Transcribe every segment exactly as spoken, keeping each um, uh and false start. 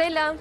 Selam.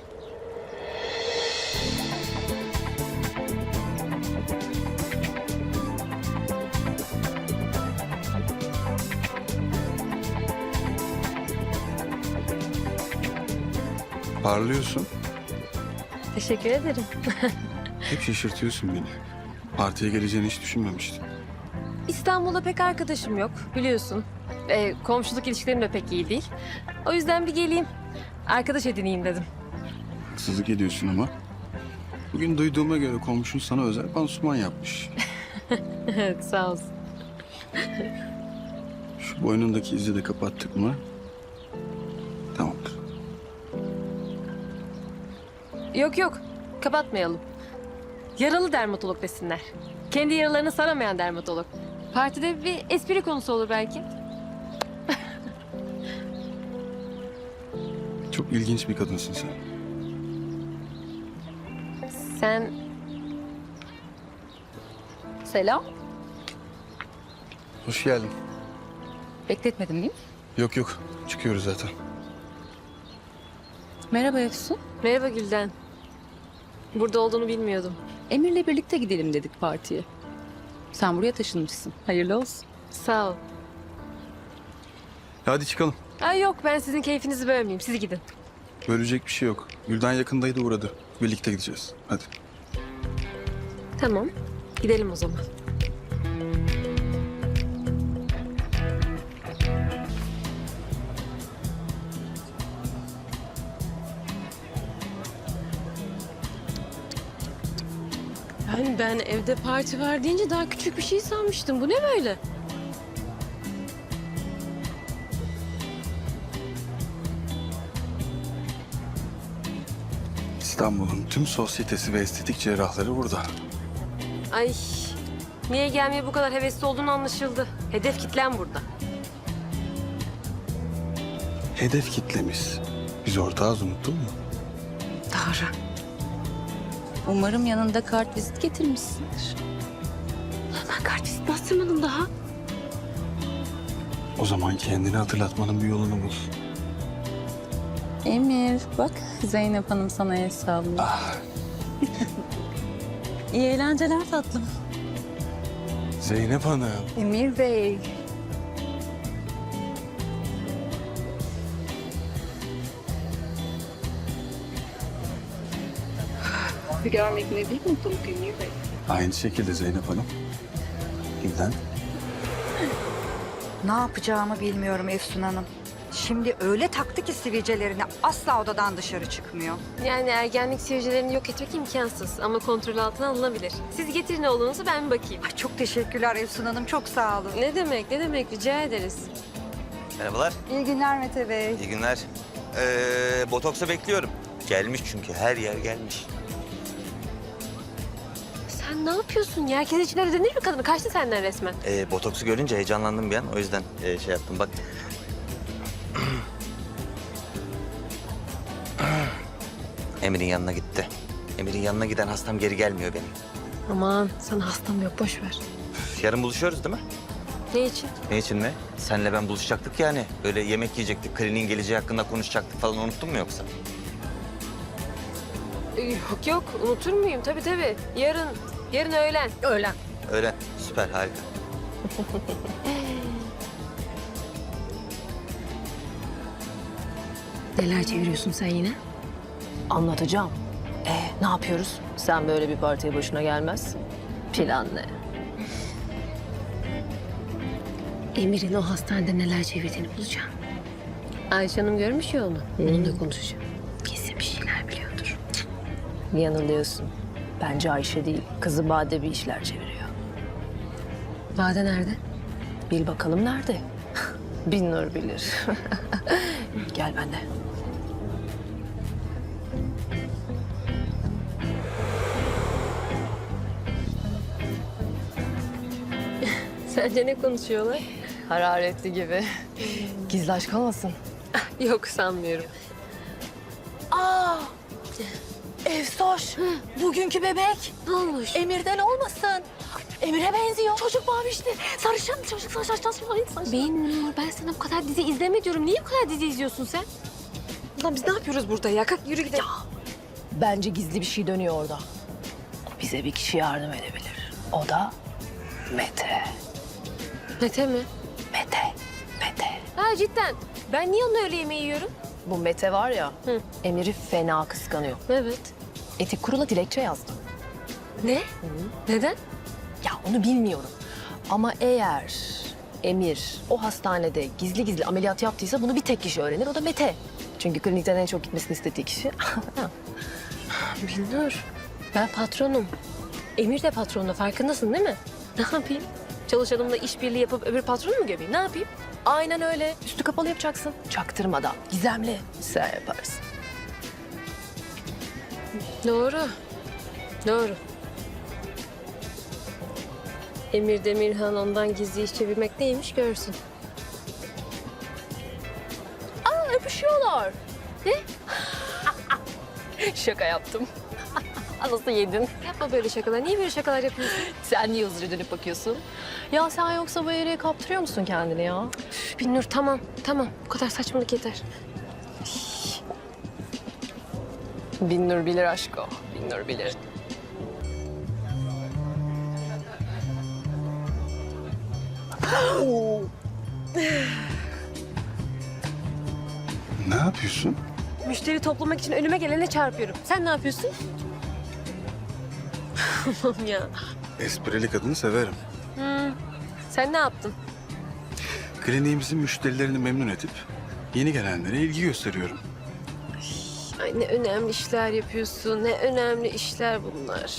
Parlıyorsun. Teşekkür ederim. Hep şaşırtıyorsun beni. Partiye geleceğini hiç düşünmemiştim. İstanbul'da pek arkadaşım yok biliyorsun. Ee, komşuluk ilişkilerim de pek iyi değil. O yüzden bir geleyim. Arkadaş edineyim dedim. Haksızlık ediyorsun ama. Bugün duyduğuma göre komşun sana özel pansuman yapmış. Evet sağ olsun. Şu boynundaki izi de kapattık mı? Tamamdır. Yok yok kapatmayalım. Yaralı dermatolog desinler. Kendi yaralarını saramayan dermatolog. Partide bir espri konusu olur belki. Çok ilginç bir kadınsın sen. Sen... Selam. Hoş geldin. Bekletmedim değil mi? Yok yok. Çıkıyoruz zaten. Merhaba Efsun. Merhaba Gülden. Burada olduğunu bilmiyordum. Emir'le birlikte gidelim dedik partiye. Sen buraya taşınmışsın. Hayırlı olsun. Sağ ol. Hadi çıkalım. Ay yok ben sizin keyfinizi bölmeyeyim. Siz gidin. Bölecek bir şey yok. Gülden yakındaydı uğradı. Birlikte gideceğiz. Hadi. Tamam. Gidelim o zaman. Yani ben evde parti var deyince daha küçük bir şey sanmıştım. Bu ne böyle? İstanbul'un tüm sosyetesi ve estetik cerrahları burada. Ay niye gelmeye bu kadar hevesli olduğunu anlaşıldı. Hedef kitlem burada. Hedef kitlemiz. Biz ortağız, unuttun mu? Doğru. Umarım yanında kart vizit getirmişsindir. Ben kartvizit bastırmadım daha. O zaman kendini hatırlatmanın bir yolunu bul. Emir bak Zeynep Hanım sana el sallıyor. Ah, İyi eğlenceler tatlım. Zeynep Hanım. Emir Bey. Bir görmek ne büyük mutluluk Emir Bey. Aynı şekilde Zeynep Hanım. Gülden. Ne yapacağımı bilmiyorum Efsun Hanım. Şimdi öyle taktı ki sivilcelerini asla odadan dışarı çıkmıyor. Yani ergenlik sivilcelerini yok etmek imkansız ama kontrol altına alınabilir. Siz getirin oğlunuzu ben bir bakayım. Ay çok teşekkürler Efsun Hanım, çok sağ olun. Ne demek ne demek rica ederiz. Merhabalar, İyi günler Mete Bey. iyi günler. Ee, botoksa bekliyorum. Gelmiş çünkü, her yer gelmiş. Sen ne yapıyorsun ya? Herkes için öyle denir mi kadını? Kaçtı senden resmen. Ee, botoksu görünce heyecanlandım bir an, o yüzden e, şey yaptım. Bak. Emir'in yanına gitti. Emir'in yanına giden hastam geri gelmiyor benim. Aman sana hastam yok boş ver. Üf, yarın buluşuyoruz değil mi? Ne için? Ne için mi? Senle ben buluşacaktık yani. Böyle yemek yiyecektik, kliniğin geleceği hakkında konuşacaktık falan, unuttun mu yoksa? Ee, Yok yok unutur muyum? Tabii tabii. Yarın, yarın öğlen. Öğlen. Öyle, süper, harika. Neler çeviriyorsun sen yine? Anlatacağım. E ne yapıyoruz? Sen böyle bir partiye başına gelmezsin. Plan ne? Emir'in o hastanede neler çevirdiğini bulacağım. Ayşe Hanım görmüş ya onu. Onunla konuşacağım. Kesin bir şeyler biliyordur. Yanılıyorsun. Bence Ayşe değil, kızı Bade bir işler çeviriyor. Bade nerede? Bil bakalım nerede? Bin nur bilir. Gel benimle. Sence ne konuşuyorlar? Hararetli gibi. Gizli aşk olmasın? Yok sanmıyorum. Aa! Efsoş, bugünkü bebek Ne olmuş? Emir'den olmasın. Emir'e benziyor. Çocuk mavişti. Sarışın çocuk saçtan saçtan saçtan. Benim Nur, ben sana bu kadar dizi izleme diyorum. Niye bu kadar dizi izliyorsun sen? Ulan biz ne yapıyoruz burada ya? Kalk yürü gidelim. Bence gizli bir şey dönüyor orada. Bize bir kişi yardım edebilir. O da Mete. Mete mi? Mete. Mete. Ha cidden. Ben niye onunla öyle yemeği yiyorum? Bu Mete var ya, Hı. Emir'i fena kıskanıyor. Evet. Etik kurula dilekçe yazdı. Ne? Neden? Ya onu bilmiyorum. Ama eğer Emir o hastanede gizli gizli ameliyat yaptıysa bunu bir tek kişi öğrenir. O da Mete. Çünkü klinikten en çok gitmesini istediği kişi. Bilmiyorum. Ben patronum. Emir de patronda farkındasın değil mi? Ne yapayım? Çalışanımla işbirliği yapıp öbür patronu mu gömeyim? Ne yapayım? Aynen öyle. Üstü kapalı yapacaksın. Çaktırmadan. Gizemli. Sen yaparsın. Doğru. Doğru. Emir Demirhan ondan gizli iş çevirmek neymiş görsün. Aa, öpüşüyorlar. Ne? Şaka yaptım. Nasıl yedin? Yapma böyle şakalar. Niye böyle şakalar yapıyorsun? Sen niye hızlıca dönüp bakıyorsun? Ya sen yoksa bu yere kaptırıyor musun kendini ya? Binnur tamam, tamam. Bu kadar saçmalık yeter. Binnur bilir aşko. Binnur bilir. Ne yapıyorsun? Müşteri toplamak için önüme gelene çarpıyorum. Sen ne yapıyorsun? Allah'ım ya. Esprili kadını severim. Sen ne yaptın? Kliniğimizin müşterilerini memnun edip yeni gelenlere ilgi gösteriyorum. Ay ne önemli işler yapıyorsun. Ne önemli işler bunlar.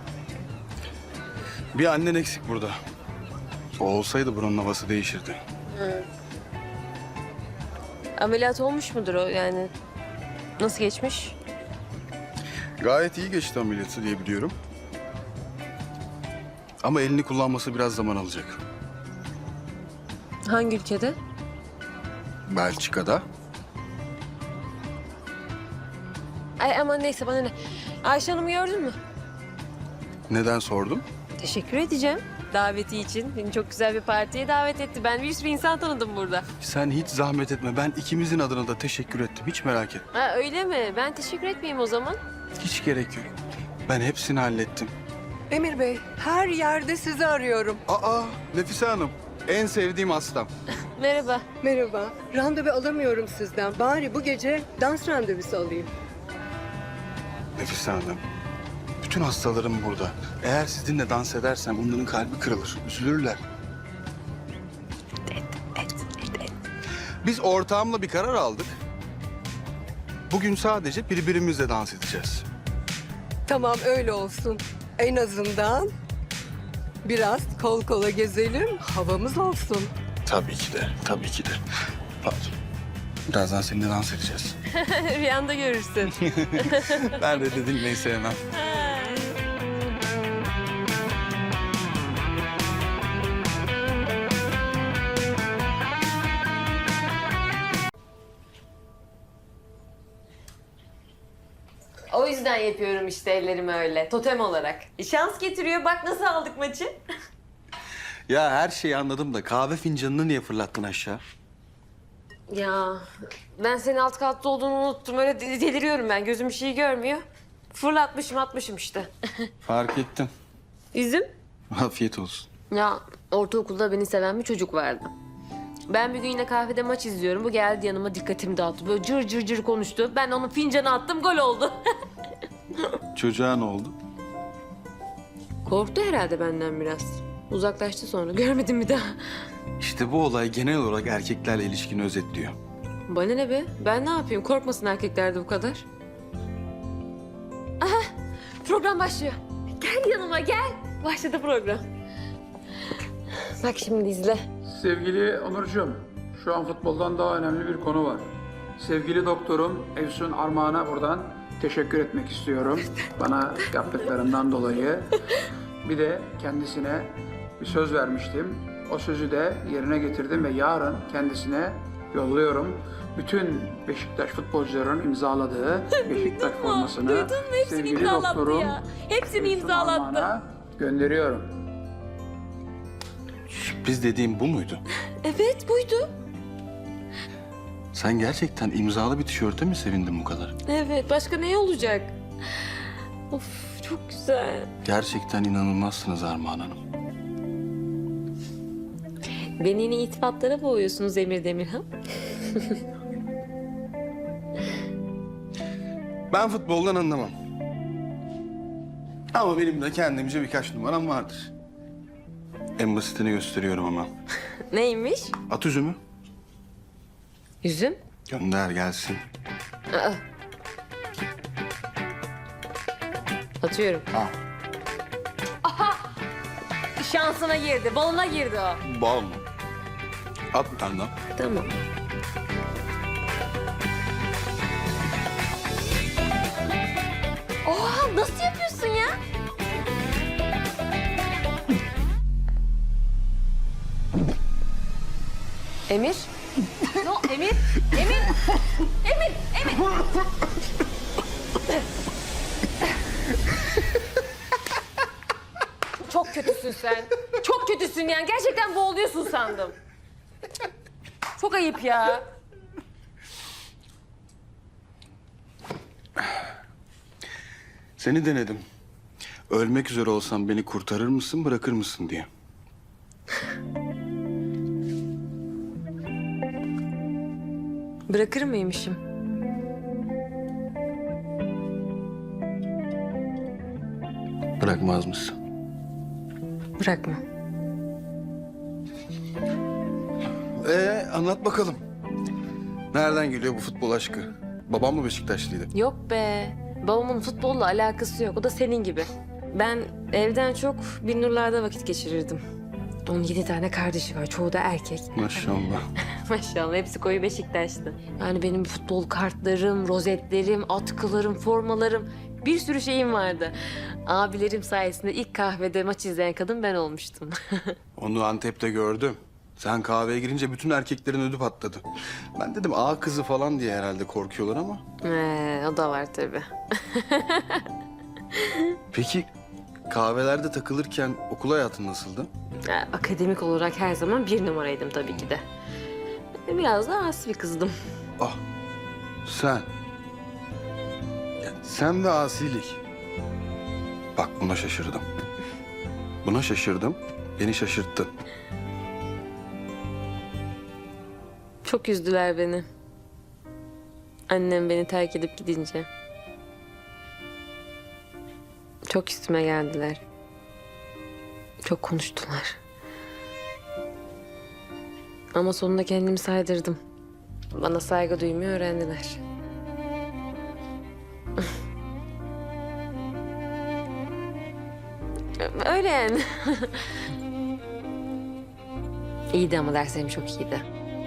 Bir annen eksik burada. O olsaydı buranın havası değişirdi. Ameliyat olmuş mudur o yani? Nasıl geçmiş? Gayet iyi geçti ameliyatı diye biliyorum. Ama elini kullanması biraz zaman alacak. Hangi ülkede? Belçika'da. Ay aman neyse bana ne. Ayşe Hanım'ı gördün mü? Neden sordum? Teşekkür edeceğim daveti için. Beni çok güzel bir partiye davet etti. Ben bir sürü insan tanıdım burada. Sen hiç zahmet etme. Ben ikimizin adına da teşekkür ettim. Hiç merak etme. Ha öyle mi? Ben teşekkür etmeyeyim o zaman. Hiç gerek yok. Ben hepsini hallettim. Emir Bey, her yerde sizi arıyorum. Aa, Nefise Hanım. En sevdiğim hastam. Merhaba. Merhaba, randevu alamıyorum sizden. Bari bu gece dans randevusu alayım. Nefise Hanım. Bütün hastalarım burada. Eğer sizinle dans edersem onların kalbi kırılır. Üzülürler. Biz ortağımla bir karar aldık. Bugün sadece birbirimizle dans edeceğiz. Tamam, öyle olsun. En azından biraz kol kola gezelim, havamız olsun. Tabii ki de, tabii ki de. Pardon. Birazdan seninle dans edeceğiz. Rüyanda görürsün. Ben de dinlemeyi sevmem. O yüzden yapıyorum işte ellerimi öyle. Totem olarak. Şans getiriyor. Bak nasıl aldık maçı. Ya her şeyi anladım da kahve fincanını niye fırlattın aşağı? Ya ben senin alt katta olduğunu unuttum. Öyle de- deliriyorum ben. Gözüm bir şey görmüyor. Fırlatmışım atmışım işte. Fark ettim. Üzüm. Afiyet olsun. Ya ortaokulda beni seven bir çocuk vardı. Ben bir gün yine kahvede maç izliyorum. Bu geldi yanıma dikkatimi dağıttı. Böyle cır cır cır konuştu. Ben onun fincanı attım gol oldu. Çocuğa ne oldu? Korktu herhalde benden biraz. Uzaklaştı sonra. Görmedim bir daha. İşte bu olay genel olarak erkeklerle ilişkini özetliyor. Bana ne be? Ben ne yapayım? Korkmasın erkekler de bu kadar. Aha! Program başlıyor. Gel yanıma gel. Başladı program. Bak şimdi izle. Sevgili Onurcuğum, şu an futboldan daha önemli bir konu var. Sevgili doktorum Efsun Armağan'a buradan teşekkür etmek istiyorum. Bana yaptıklarından dolayı. Bir de kendisine bir söz vermiştim. O sözü de yerine getirdim ve yarın kendisine yolluyorum. Bütün Beşiktaş futbolcuların imzaladığı Beşiktaş formasını Duydun mu? Hepsini sevgili imzalattı doktorum ya. Hepsini Efsun imzalattı. Armağan'a gönderiyorum. Sürpriz dediğim bu muydu? Evet buydu. Sen gerçekten imzalı bir tişörte mi sevindin bu kadar? Evet, başka ne olacak? Of, çok güzel. Gerçekten inanılmazsınız Armağan Hanım. Beni yine itifatlara boğuyorsunuz Emir Demirhan. Ben futboldan anlamam. Ama benim de kendimce birkaç numaram vardır. En basitini gösteriyorum ama. Neymiş? At üzümü. Yüzüm. Gönder gelsin. Aa. Atıyorum. Ha. Şansına girdi, balına girdi o. Bal mı? At bir tane daha. Tamam. Oha, nasıl yapıyorsun ya? Emir? No, Emir? Emir? Emir? Emir? Çok kötüsün sen. Çok kötüsün yani. Gerçekten boğuluyorsun sandım. Çok ayıp ya. Seni denedim. Ölmek üzere olsam beni kurtarır mısın, bırakır mısın diye. Bırakır mıymışım? Bırakmaz mısın? Bırakma. Ee, anlat bakalım. Nereden geliyor bu futbol aşkı? Babam mı Beşiktaşlıydı? Yok be. Babamın futbolla alakası yok. O da senin gibi. Ben evden çok Binnurlar'da vakit geçirirdim. Onun yedi tane kardeşi var. Çoğu da erkek. Maşallah. Maşallah hepsi koyu Beşiktaşlı. Yani benim futbol kartlarım, rozetlerim, atkılarım, formalarım bir sürü şeyim vardı. Abilerim sayesinde ilk kahvede maç izleyen kadın ben olmuştum. Onu Antep'te gördüm. Sen kahveye girince bütün erkeklerin ödü patladı. Ben dedim ağa kızı falan diye herhalde korkuyorlar ama. Ee, o da var tabii. Peki kahvelerde takılırken okul hayatın nasıldı? Ya, akademik olarak her zaman bir numaraydım tabii ki de. Biraz da asi bir kızdım. Ah sen. Ya, sen ve asilik. Bak buna şaşırdım. Buna şaşırdım. Beni şaşırttın. Çok üzdüler beni. Annem beni terk edip gidince. Çok üstüme geldiler. Çok konuştular. Ama sonunda kendimi saydırdım. Bana saygı duymayı öğrendiler. Öyle yani. İyiydi ama derslerim çok iyiydi.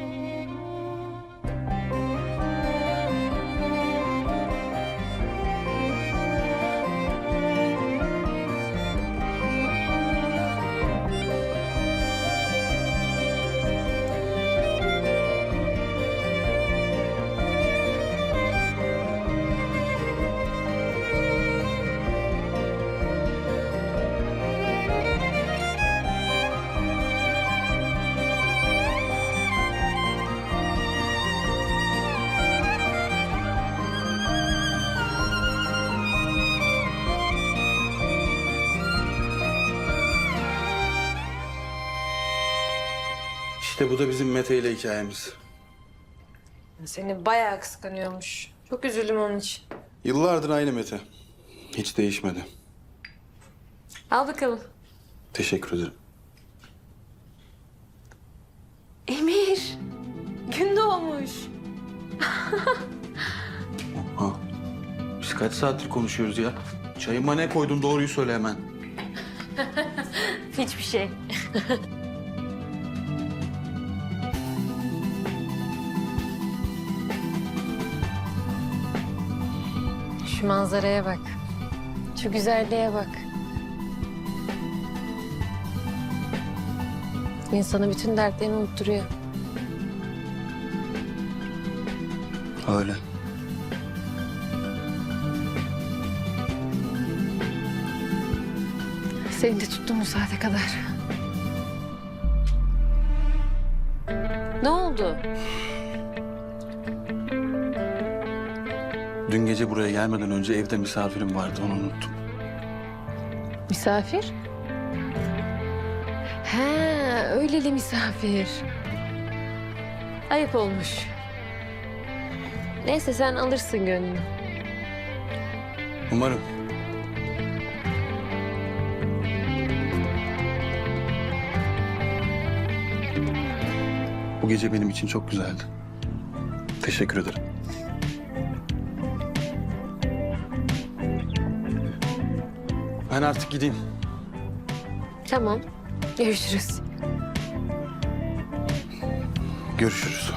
İşte bu da bizim Mete ile hikayemiz. Seni bayağı kıskanıyormuş. Çok üzüldüm onun için. Yıllardır aynı Mete. Hiç değişmedi. Al bakalım. Teşekkür ederim. Emir, gün doğmuş. Ha. Biz kaç saattir konuşuyoruz ya? Çayıma ne koydun doğruyu söyle hemen. Hiçbir şey. Şu manzaraya bak. Şu güzelliğe bak. İnsanı bütün dertlerini unutturuyor. Öyle. Seni de tuttum bu saate kadar. Ne oldu? Dün gece buraya gelmeden önce evde misafirim vardı, onu unuttum. Misafir? He, öyleli misafir. Ayıp olmuş. Neyse sen alırsın gönlünü. Umarım. Bu gece benim için çok güzeldi. Teşekkür ederim. Ben artık gideyim. Tamam. Görüşürüz. Görüşürüz.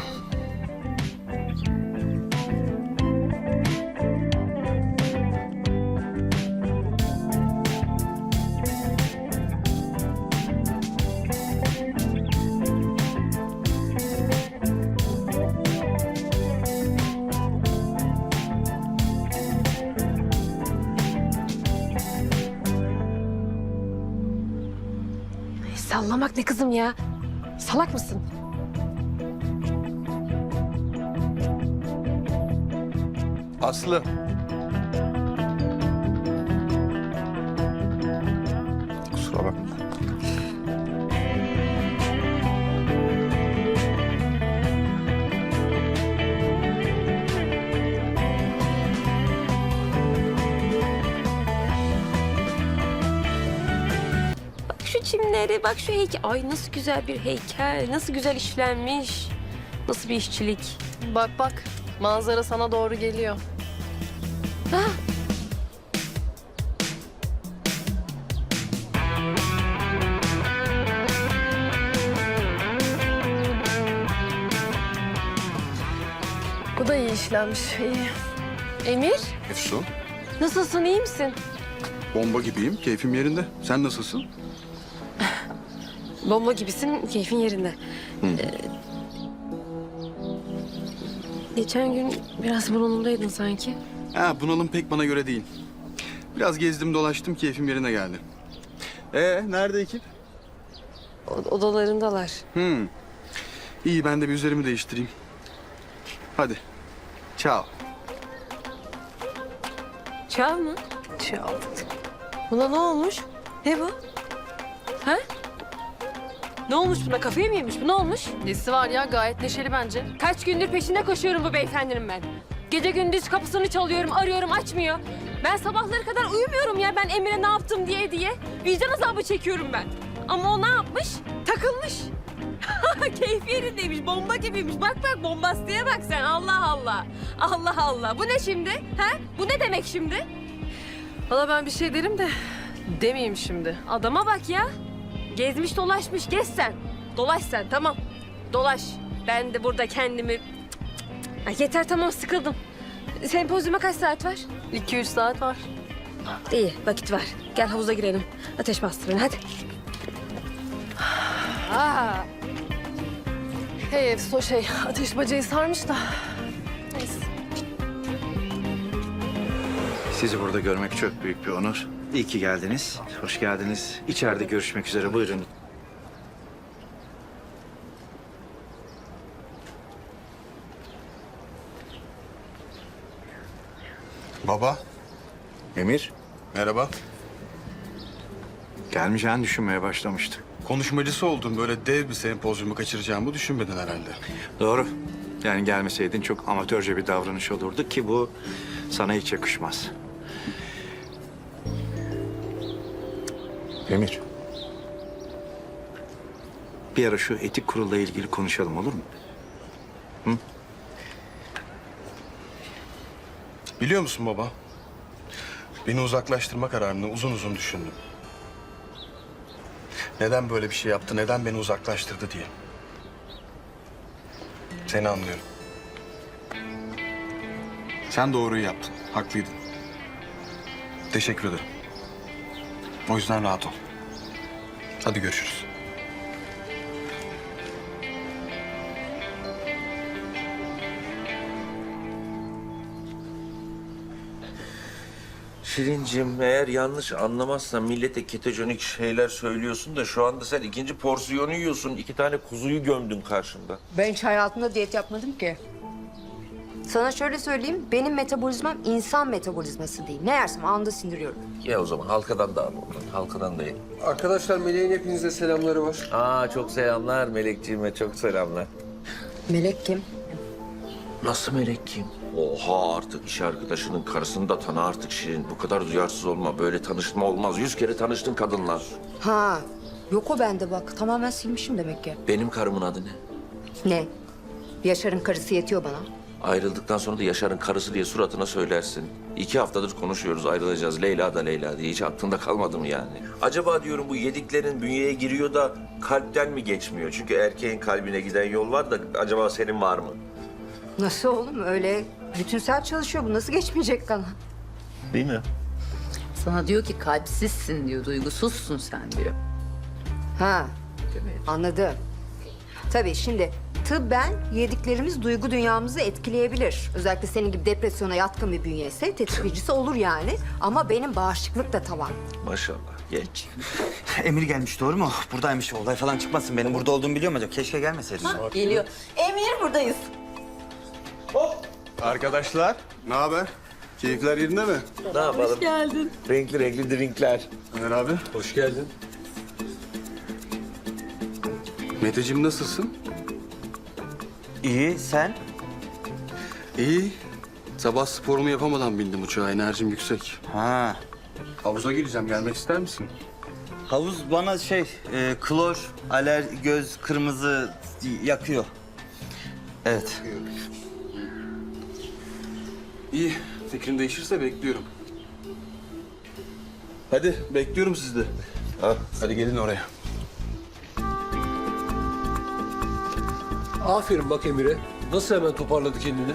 Sallamak ne kızım ya? Salak mısın? Aslı. Kusura bakma. Bak şu çimleri, bak şu heykel. Ay nasıl güzel bir heykel. Nasıl güzel işlenmiş. Nasıl bir işçilik. Bak bak, manzara sana doğru geliyor. Bu da iyi işlenmiş, iyi. Emir, Efsun. nasılsın, iyi misin? Bomba gibiyim, keyfim yerinde. Sen nasılsın? Bomba gibisin, keyfin yerinde. Ee, geçen gün biraz bunalımdaydın sanki. Ha, bunalım pek bana göre değil. Biraz gezdim dolaştım, keyfim yerine geldi. Ee, nerede ekip? O- odalarındalar. Hmm. İyi, ben de bir üzerimi değiştireyim. Hadi. Ciao. Çağ mı? Çal. Buna ne olmuş? Ne bu? Ha? Ne olmuş buna? Kafayı mı yemiş? Bu ne olmuş? Nesi var ya, gayet neşeli bence. Kaç gündür peşinde koşuyorum bu beyefendinin ben. Gece gündüz kapısını çalıyorum, arıyorum, açmıyor. Ben sabahları kadar uyumuyorum ya ben Emir'e ne yaptım diye diye. Vicdan azabı çekiyorum ben. Ama o ne yapmış? Takılmış. Keyfi yerindeymiş, bomba gibiymiş. Bak bak bombastiğe bak sen. Allah Allah. Allah Allah. Bu ne şimdi? Ha? Bu ne demek şimdi? Valla ben bir şey derim de demeyeyim şimdi. Adama bak ya. Gezmiş dolaşmış. Gez sen. Dolaş sen tamam. Dolaş. Ben de burada kendimi... Ay yeter tamam sıkıldım. Sempozyuma kaç saat var? İki üç saat var. İyi vakit var. Gel havuza girelim. Ateş bastırın hadi. Aa, Hey Efso şey, ateş bacayı sarmış da. Neyse. Sizi burada görmek çok büyük bir onur. İyi ki geldiniz. Hoş geldiniz. İçeride görüşmek üzere. Buyurun. Baba, Emir, merhaba. gelmeyeceğini düşünmeye başlamıştım. Konuşmacısı oldun, böyle dev bir sempozyumu kaçıracağımı düşünmedin herhalde. Doğru. Yani gelmeseydin çok amatörce bir davranış olurdu ki bu sana hiç yakışmaz. Emir. Bir ara şu etik kurulla ilgili konuşalım olur mu? Biliyor musun baba? Beni uzaklaştırma kararını uzun uzun düşündüm. Neden böyle bir şey yaptı, neden beni uzaklaştırdı diye. Seni anlıyorum. Sen doğruyu yaptın, haklıydın. Teşekkür ederim. O yüzden rahat ol. Hadi görüşürüz. Şirincim eğer yanlış anlamazsan millete ketojenik şeyler söylüyorsun da şu anda sen ikinci porsiyonu yiyorsun. İki tane kuzuyu gömdün karşımda. Ben hiç hayatımda diyet yapmadım ki. Sana şöyle söyleyeyim, benim metabolizmam insan metabolizması değil. Ne yersem anında sindiriyorum. Ya o zaman halkadan da al ondan. Halkadan da ye. Arkadaşlar Melek'in hepinize selamları var. Aa çok selamlar Melekciğime çok selamlar. Melek kim? Nasıl Melek kim? Oha artık iş arkadaşının karısını da tanı artık Şirin. Bu kadar duyarsız olma. Böyle tanışma olmaz. Yüz kere tanıştın kadınlar. Ha, yok o bende bak. Tamamen silmişim demek ki. Benim karımın adı ne? Ne? Yaşar'ın karısı yetiyor bana. Ayrıldıktan sonra da Yaşar'ın karısı diye suratına söylersin. İki haftadır konuşuyoruz ayrılacağız. Leyla da Leyla diye. Hiç aklında kalmadı mı yani? Acaba diyorum bu yediklerin bünyeye giriyor da kalpten mi geçmiyor? Çünkü erkeğin kalbine giden yol var da acaba senin var mı? Nasıl oğlum? Öyle bütünsel çalışıyor. Bu nasıl geçmeyecek kana? Değil mi? Sana diyor ki kalpsizsin diyor, duygusuzsun sen diyor. Ha, anladım. Tabii şimdi tıbben yediklerimiz duygu dünyamızı etkileyebilir. Özellikle senin gibi depresyona yatkın bir bünye ise tetikleyicisi olur yani. Ama benim bağışıklık da tavan. Maşallah. Geç. Emir gelmiş doğru mu? Buradaymış olay falan çıkmasın. Benim burada olduğumu biliyor mu acaba? Keşke gelmeseydin. Geliyor. Emir buradayız. Arkadaşlar, ne haber? Keyifler yerinde mi? Ne yapalım? Hoş geldin. Renkli renkli drinkler. Ömer abi. Hoş geldin. Meteciğim nasılsın? İyi sen? İyi. Sabah sporumu yapamadan bindim uçağa. Enerjim yüksek. Ha. Havuza gireceğim. Gelmek ister misin? Havuz bana şey e, klor, aler, göz kırmızı yakıyor. Evet. İyi. Fikrin değişirse bekliyorum. Hadi bekliyorum sizi de. Ha, hadi gelin oraya. Aferin bak Emir'e. Nasıl hemen toparladı kendini?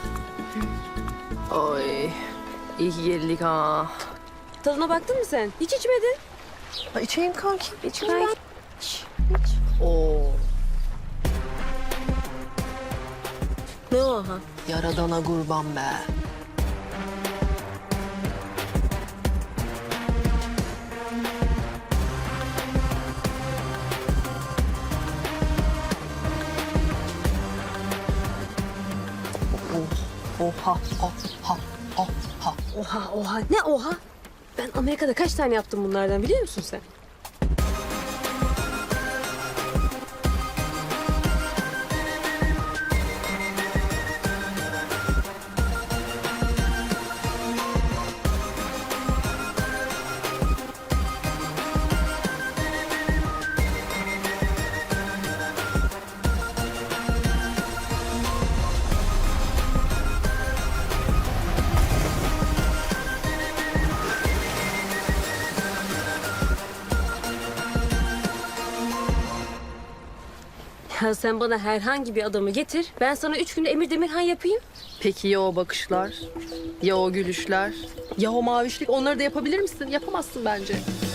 Ay iyi ki geldik ha. Tadına baktın mı sen? Hiç içmedin. Ay, içeyim kanki. İçeyim Ay. ben. İç, iç. Oo. Ne o ha? Yaradana kurban be. Oha, oha, oha. Oha oha ne oha? Ben Amerika'da kaç tane yaptım bunlardan biliyor musun sen? Ya sen bana herhangi bir adamı getir. Ben sana üç günde Emir Demirhan yapayım. Peki ya o bakışlar? Ya o gülüşler? Ya o mavişlik? Onları da yapabilir misin? Yapamazsın bence.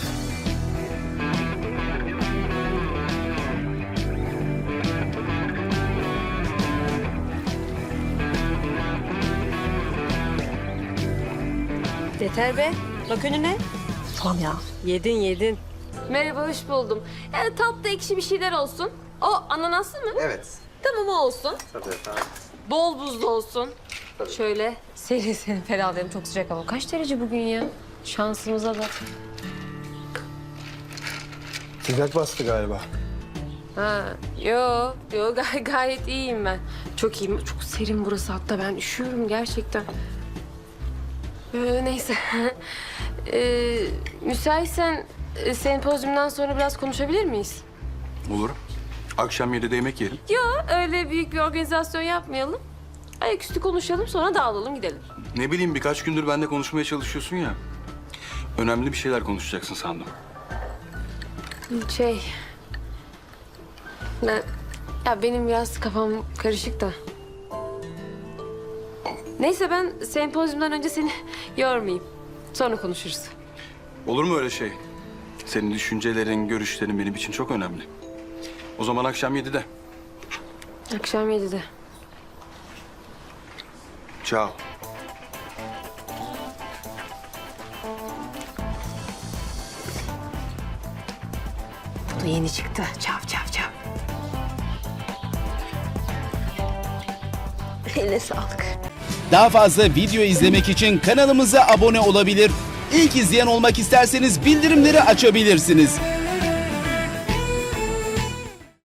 Yeter be. Bak önüne. Tamam ya. Yedin yedin. Merhaba hoş buldum. Yani tatlı ekşi bir şeyler olsun. O ananaslı mı? Evet. Tamam o olsun. Tabii efendim. Bol buzlu olsun. Şöyle serin serin ferahlayalım. Çok sıcak hava. Kaç derece bugün ya? Şansımıza da. Sıcak bastı galiba. Ha, yo, yo gay gayet iyiyim ben. Çok iyiyim. Çok serin burası hatta ben üşüyorum gerçekten. Ee, neyse. ee, müsaitsen e, sempozyumdan sonra biraz konuşabilir miyiz? Olur. Akşam yedide yemek yiyelim. Yo, öyle büyük bir organizasyon yapmayalım. Ayaküstü konuşalım sonra dağılalım gidelim. Ne bileyim birkaç gündür benimle konuşmaya çalışıyorsun ya. Önemli bir şeyler konuşacaksın sandım. Şey... Ben... Ya benim biraz kafam karışık da. Neyse ben sempozyumdan önce seni yormayayım. Sonra konuşuruz. Olur mu öyle şey? Senin düşüncelerin, görüşlerin benim için çok önemli. O zaman akşam yedide. Akşam yedide. Ciao. Bu da yeni çıktı. Çav çav çav. Eline sağlık. Daha fazla video izlemek için kanalımıza abone olabilir. İlk izleyen olmak isterseniz bildirimleri açabilirsiniz.